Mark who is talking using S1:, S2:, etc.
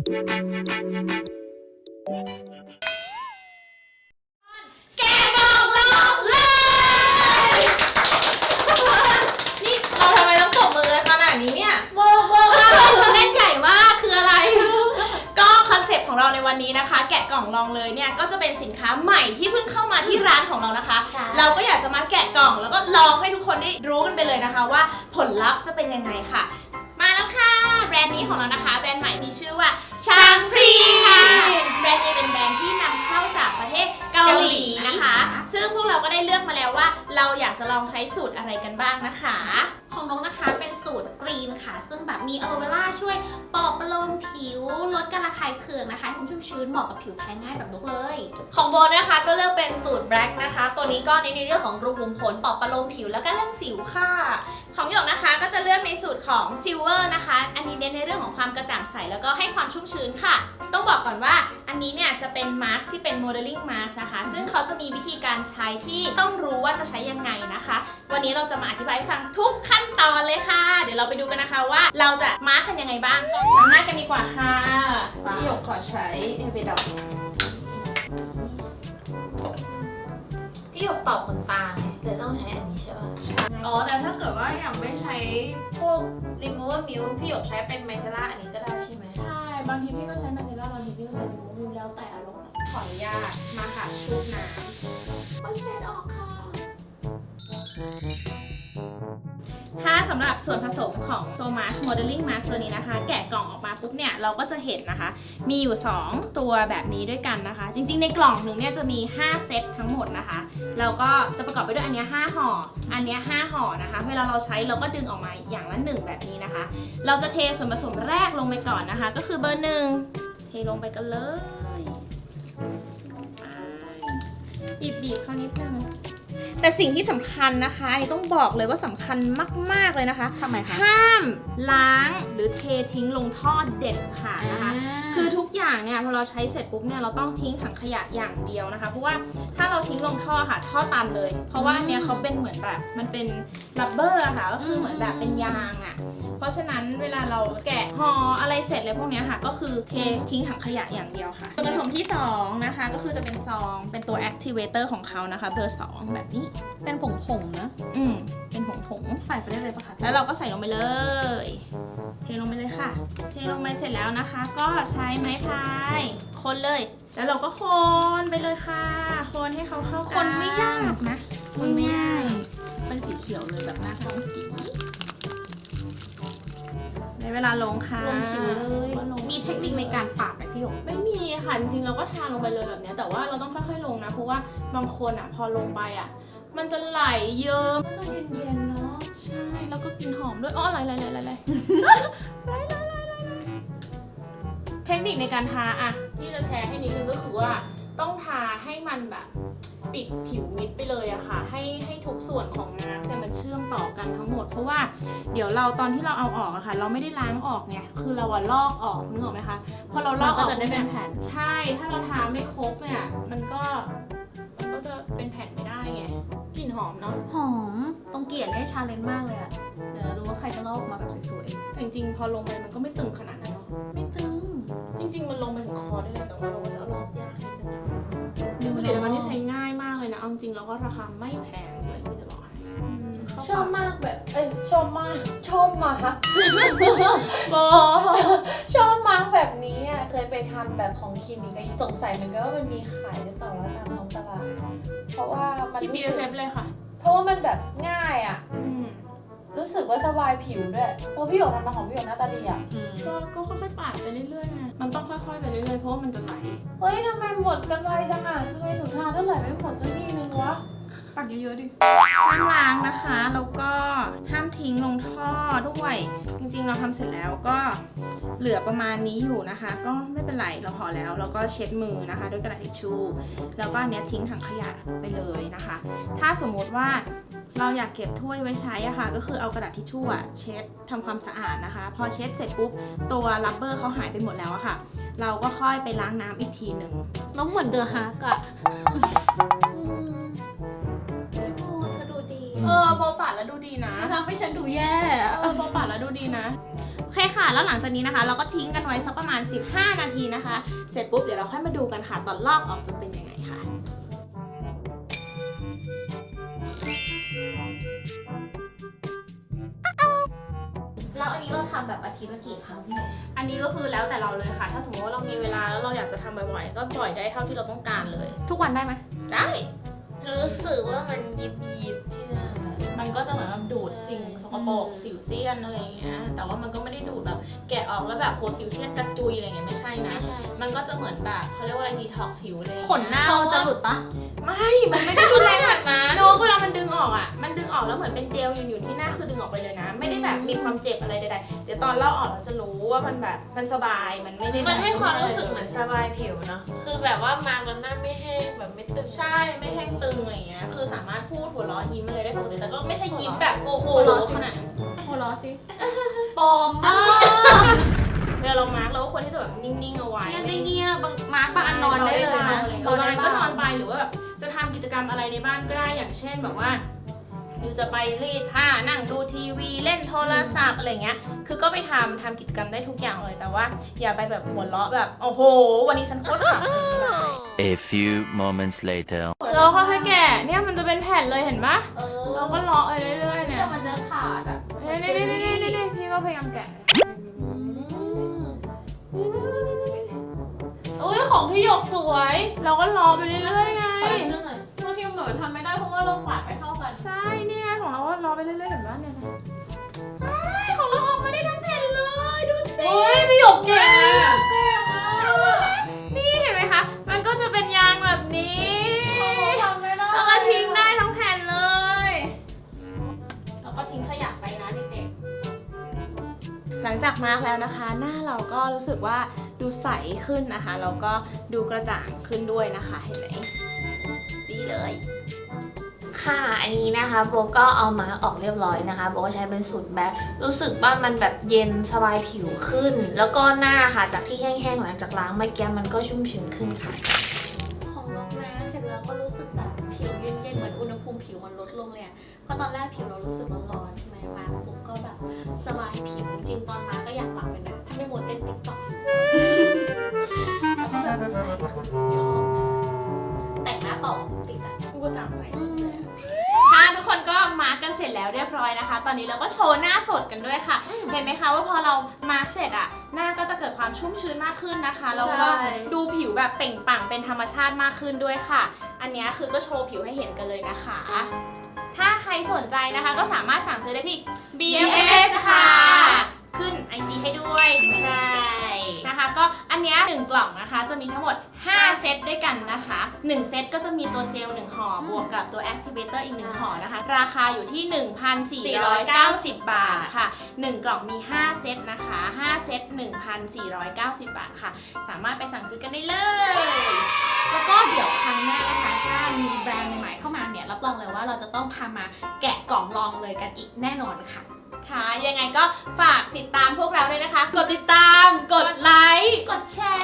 S1: แกะกล่องลองเลยนี่เราทำไมต้องตบมือขนาดนี้เนี่ยเวอร์มากเลยเล่นใหญ่มากคืออะไรก็คอนเซ็ปต์ของเราในวันนี้นะคะแกะกล่องลองเลยเนี่ยก็จะเป็นสินค้าใหม่ที่เพิ่งเข้ามาที่ร้านของเรานะคะเราก็อยากจะมาแกะกล่องแล้วก็ลองให้ทุกคนได้รู้กันไปเลยนะคะว่าผลลัพธ์จะเป็นยังไงค่ะมาแล้วค่ะแบรนด์นี้ของเรานะคะแบรนด์ใหม่มีชื่อว่าชางพรีค่ะแบรนด์นี้เป็นแบรนด์ที่นำเข้าจากประเทศเกาหลีนะคะซึ่งพวกเราก็ได้เลือกมาแล้วว่าเราอยากจะลองใช้สูตรอะไรกันบ้างนะคะ
S2: ของนกนะคะเป็นสูตรกรีนค่ะซึ่งแบบมีอะโลเวล่าช่วยปลอบประโลมผิวลดการระคายเคืองนะคะให้ชุ่มชื้นเหมาะกับผิวแพ้ง่ายแบบนกเลย
S1: ของโบนะคะก็เลือกเป็นสูตรแบล็กนะคะตัวนี้ก็ในเรื่องของรูขุมขนปลอบประโลมผิวแล้วก็เรื่องสิวค่ะของหยกนะคะก็จะเลือกในสูตรของซิลเวอร์นะคะอันนี้เน้นในเรื่องของความกระจ่างใสแล้วก็ให้ความชุ่มชื้นค่ะต้องบอกก่อนว่าอันนี้เนี่ยจะเป็นมาสก์ที่เป็นโมเดลลิ่งมาสก์นะคะซึ่งเขาจะมีวิธีการใช้ที่ต้องรู้ว่าจะใช้ยังไงนะคะวันนี้เราจะมาอธิบายให้ฟังทุกขั้นตอนเลยค่ะเดี๋ยวเราไปดูกันนะคะว่าเราจะมาร์กกันยังไงบ้างล้างหน้ากันดีกว่าค่ะพี่หยกขอใช้เอเวดอก
S2: ที่หยกตอบขนตาไงเลยต้องใช้อันนี้ใช่ป่ะ
S1: อ๋อแต่ถ้าเกิดว่าอยากไม่ใช้พวก remover milk พี่หยกใช้เป็นไมเซล่าอันนี้ก็ได้ใช่ไหมใช่บางทีพี่ก็ใช้ไมเซล่าบางทีพี่ก็ใช้ remover milk แล้วแต่อารมณ์ขออนุญาตมาค่ะชุบน้ำก็เช็ดออกค่ะถ้าสำหรับส่วนผสมของตัวมาร์ชโมเดลลิ่งมาร์ชตัวนี้นะคะแกะกล่องออกมาปุ๊บเนี่ยเราก็จะเห็นนะคะมีอยู่2ตัวแบบนี้ด้วยกันนะคะจริงๆในกล่องหนึ่งเนี่ยจะมี5เซตทั้งหมดนะคะแล้วก็จะประกอบไปด้วยอันนี้5ห่ออันนี้5ห่อนะคะเวลาเราใช้เราก็ดึงออกมาอย่างละ1แบบนี้นะคะเราจะเทส่วนผสมแรกลงไปก่อนนะคะก็คือเบอร์1เทลงไปกันเลยบีบเข้านิดนึงแต่สิ่งที่สำคัญนะคะอันนี้ต้องบอกเลยว่าสำคัญมากๆเลยนะคะ
S2: ทำไมคะ
S1: ห้ามล้างหรือเททิ้งลงท่อเด็ดขาดนะคะคือทุกอย่างเนี่ยพอเราใช้เสร็จปุ๊บเนี่ยเราต้องทิ้งถังขยะอย่างเดียวนะคะเพราะว่าถ้าเราทิ้งลงท่อค่ะท่อตันเลยเพราะว่าเนี่ยเขาเป็นเหมือนแบบมันเป็นรับเบอร์ค่ะก็คือเหมือนแบบเป็นยางอ่ะเพราะฉะนั้นเวลาเราแกะห่ออะไรเสร็จเลยพวกนี้ค่ะก็คือเททิ้งถังขยะอย่างเดียวค่ะส่วนผสมที่2นะคะก็คือจะเป็นซองเป็นตัว activator ของเขานะคะเบอร์2แบบนี้
S2: เป็นผงนะ
S1: เป็นผง
S2: ใส่ไปได้เลยปะคะ
S1: แล้วเราก็ใส่ลงไปเลยเทลงไปเลยค่ะเทลงไปเสร็จแล้วนะคะก็ใช้ไม้พายคนเลยแล้วเราก็คนไปเลยค่ะคนให้เขาเข้ากัน
S2: คนไม่ยาก
S1: นะคนไม่ยาก
S2: เป็นสีเขียวเลยแบบหน้าท้องสี
S1: ในเวลาลงค่ะ
S2: ลงผิวเลยมีเทคนิคในการปาดไหมพี่หยก
S1: ไม่มีค่ะจริงๆเราก็ทาลงไปเลยแบบนี้แต่ว่าเราต้องค่อยๆลงนะเพราะว่าบางคนอ่ะพอลงไปอ่ะมันจะไหลเยิ้ม
S2: ก็จะเย็นๆเนาะ
S1: ใช่แล้วก็กลิ่นหอมด้วยไหลเทคนิคในการทาอ่ะที่จะแชร์ให้นิดนึงก็คือว่าต้องทาให้มันแบบปิดผิวมิดไปเลยอะค่ะให้ทุกส่วนของน้ำเนี่ยมันเชื่อมต่อกันทั้งหมดเพราะว่าเดี๋ยวเราตอนที่เราเอาออกอะค่ะเราไม่ได้ล้างออกไงคือเราอะลอกออกนึกออกไหมคะพอเราลอกออก
S2: ก็จะได้เป็นแผ่น
S1: ใช่ถ้าเราทาไม่ครบเนี่ยมันก็จะเป็นแผ่นไม่ได้ไงกลิ่นหอมเนาะ
S2: หอมตรงเกลียดได้ชาเลนจ์มากเลยอะเดี๋ยวรู้ว่าใครจะลอกมาแบบสวย
S1: ๆแต่จริงๆพอลงไปมันก็ไม่ตึงขนาดนั้นเนาะ
S2: ไม่ตึง
S1: จริงๆมันลงไปถึงคอได้เลยแต่ว่าเราก็จะลอกยากนิดนึงผลิตภัณฑ์ที่ใช้ง่ายมากเลยนะเอาจริงแล้วก็ราคาไม่แพงเลยที่จะบอกให้
S2: ชอบมากแบบชอบมากชอบมากแบบนี้อ่ะเคยไปทำแบบของคลินิกสงสัยเหมือนกันว่ามันมีขายหรือเปล่าว่าตามท้องตลาดเพราะว่ามัน
S1: ที่ BFF เลยค่ะ
S2: เพราะว่ามันแบบง่ายอ่ะรู้สึกว่าสบายผิวด้วยพี่หยกทำมาของพี่หยกหน้าตาดีอ่ะ
S1: ก็ค่อยๆปาดไปเรื่อยๆไงมันต้องค่อยๆไปเรื่อยๆเพราะว่ามันจะไหล
S2: เฮ้ยทำไมหมดกันไวจังอ่ะทำไมหนูทานเท่าไหร่ไม่หมดสักทีนึงวะ
S1: ปักเยอะๆดิห้ามล้างนะคะแล้วก็ห้ามทิ้งลงท่อด้วยจริงๆเราทำเสร็จแล้วก็เหลือประมาณนี้อยู่นะคะก็ไม่เป็นไรเราพอแล้วแล้วก็เช็ดมือนะคะด้วยกระดาษทิชชู่แล้วก็อันนี้ทิ้งถังขยะไปเลยนะคะถ้าสมมติว่าเราอยากเก็บถ้วยไว้ใช้อะค่ะก็คือเอากระดาษทิชชู่เช็ดทำความสะอาดนะคะพอเช็ดเสร็จปุ๊บตัวรับเบอร์เขาหายไปหมดแล้วอะค่ะเราก็ค่อยไปล้างน้ำอีกทีหนึ่ง
S2: น้องเหมือนเดอะฮาร์กอะ
S1: พอปัดแล้วดูดีนะ
S2: ทำให้ฉันดูแย่
S1: พอปัดแล้วดูดีนะโอเคเคค่ะแล้วหลังจากนี้นะคะ เราก็ทิ้งกันไว้สักประมาณ15 นาทีนะคะเสร็จปุ๊บเดี๋ยวเราค่อยมาดูกันค่ะตอนลอกออกจะเป็นยังไงค่ะ
S2: แล้วอันนี้เราทำแบบอาทิตย์ละกี่ครั้งพี่หนู
S1: อันนี้ก็คือแล้วแต่เราเลยค่ะ ถ้าสมมติว่าเรามีเวลาแล้วเราอยากจะทำบ่อยๆก็ปล่อยได้เท่าที่เราต้องการเลย
S2: ทุกวันได้ไหม
S1: ได้
S3: รู้สึกว่ามันยิบที่หน้า
S1: มันก็จะเหมือนแบบดูดสิ่งสกปรกสิวเซียนอะไรอย่างเงี้ยแต่ว่ามันก็ไม่ได้ดูดแบบแกะออกแล้วแบบโหสิวเซียนกระจุยอะไรเงี้ยไม่ใช่นะ
S3: ไม่ใช่
S1: มันก็จะเหมือนแบบเขาเรียกว่าอะไรดีท็อกซ์ผิวเลย
S2: ขนหน้าเราจะหลุดปะ
S1: ไม่ มันไม่ได้รุนแรงขนาดนั้นโนเวลามันดึงออกอ่ะมันดึงออกแล้วเหมือนเป็นเจลอยู่ที่หน้าคือดึงออกไปเลยนะ ไม่ได้แบบมีความเจ็บอะไรใดๆเดี๋ยวตอนเล่าออกเราจะรู้ว่ามันแบบมันสบายมันไม่ได้
S3: มันให้ความรู้สึกเหมือนสบายผิวเนาะคือแบบว่ามาแล้วหน้าไม่แห้งแบบไม่ตึง
S1: ใช่ไม่แห้งตึงอะไรเงี้ยคือสามารถพูดหัวเราะยิ้มอะไรได้ปกติแต่ก็ไม่ใช่ยิ้มแบบโอ้โหขนาดนั้น
S2: หัวเราะสิปลอมมาก
S1: เวลาเรามาร์กเราก็ควรที่จะแบบนิ่งๆเอาไว้
S2: เงียบได้เงียบบางมาร์กบางอันนอนได้เลยนะ
S1: นอนก็นอนไปหรือว่าแบบจะทำกิจกรรมอะไรในบ้านก็ได้อย่างเช่นแบบว่าอยู่จะไปรีดผ้านั่งดูทีวีเล่นโทรศัพท์อะไรเงี้ยคือก็ไปทำกิจกรรมได้ทุกอย่างเลยแต่ว่าอย่าไปแบบหัวเราะแบบโอ้โหวันนี้ฉันโคตรขำ
S4: A few moments later.
S1: เราค่อยๆแกะเนี่ยมันจะเป็นแผ่นเลยเห็นปะ เราก็เลาะไปเรื่อยๆเนี่ย
S2: เดี๋ยวมันจะขาดอ่ะ
S1: นี่พี่ก็พยายามแกะ
S3: โอ้ยของพี่หยกสวย
S1: เราก็เลาะไปเรื่อยๆไง
S2: ขอดูเรื่องหน่อยบางทีมันเหมือนทำไม่ได้เพราะว่าเราปาดไม่เท่ากัน
S1: ใช่เนี่ยของเราก็เลาะไปเรื่อยๆเห็นปะเนี่ยใช่ของเราออกมาได้ทั้งแผ่นเลยดูสิ
S3: โอ้ยพี่หยกเก่งอะ
S1: นี่เห็นไหมคะ มันก็จะเป็นยางแบบนี้
S2: ทำไม่ได้
S1: แล้วก็ทิ้งได้ทั้งแผ่นเลย แล้วก็ทิ้งขยะไปนะเด็กๆ หลังจากมาร์กแล้วนะคะ หน้าเราก็รู้สึกว่าดูใสขึ้นนะคะ แล้วก็ดูกระจ่างขึ้นด้วยนะคะ เห็นไหมดีเลย
S3: ค่ะอันนี้นะคะโบก็เอามาออกเรียบร้อยนะคะโบก็ใช้เป็นสูตรแบ็ครู้สึกว่ามันแบบเย็นสบายผิวขึ้น แล้วก็หน้าค่ะจากที่แห้งๆหลังจากล้างเมื่อกี้มันก็ชุ่มชื้นขึ้นค่ะ
S2: ของน้องแม่เสร็จแล้วก็รู้สึกแบบผิวเย็นๆเหมือนอุณหภูมิผิวมันลดลงเลยอะเพราะตอนแรกผิวเรารู้สึกร้อนๆใช่ไหมมาปุ๊บก็แบบสบายผิวจริงๆตอนมาก็อยากหลับเลยนะถ้าไม่โมวเต้นติ๊กต็อกแล้วก็แบบดูใสขึ้นชอบแต่งหน้าต่อติดอะ
S1: กูก็จำใส่ค่ะทุกคนก็มาร์กกันเสร็จแล้วเรียบร้อยนะคะ ตอนนี้เราก็โชว์หน้าสดกันด้วยค่ะ เห็นไหมคะว่าพอเรามาร์กเสร็จอะหน้าก็จะเกิดความชุ่มชื้นมากขึ้นนะคะแล้วก็ดูผิวแบบเปล่งปลั่งเป็นธรรมชาติมากขึ้นด้วยค่ะ อันนี้คือก็โชว์ผิวให้เห็นกันเลยนะคะ ถ้าใครสนใจนะคะก็สามารถสั่งซื้อได้ที่ BFF ค่ะ ขึ้น IG ให้ด้วยใช่นะคะก็อันเนี้ย1กล่องนะคะจะมีทั้งหมด5เซตด้วยกันนะคะ1เซตก็จะมีตัวเจล1ห่อบวกกับตัว Activator อีก1ห่อนะคะราคาอยู่ที่ 1,490 บาทค่ะ1กล่องมี5เซตนะคะ5เซต 1,490 บาทค่ะสามารถไปสั่งซื้อกันได้เลย
S2: แล้วก็เดี๋ยวครั้งหน้านะคะถ้ามีแบรนด์ใหม่ๆเข้ามาเนี่ยรับรองเลยว่าเราจะต้องพามาแกะกล่องลองเลยกันอีกแน่นอนค่ะ
S1: ค่ะยังไงก็ฝากติดตามพวกเราด้วยนะคะ กดติดตาม กดไลค์
S2: กดแชร์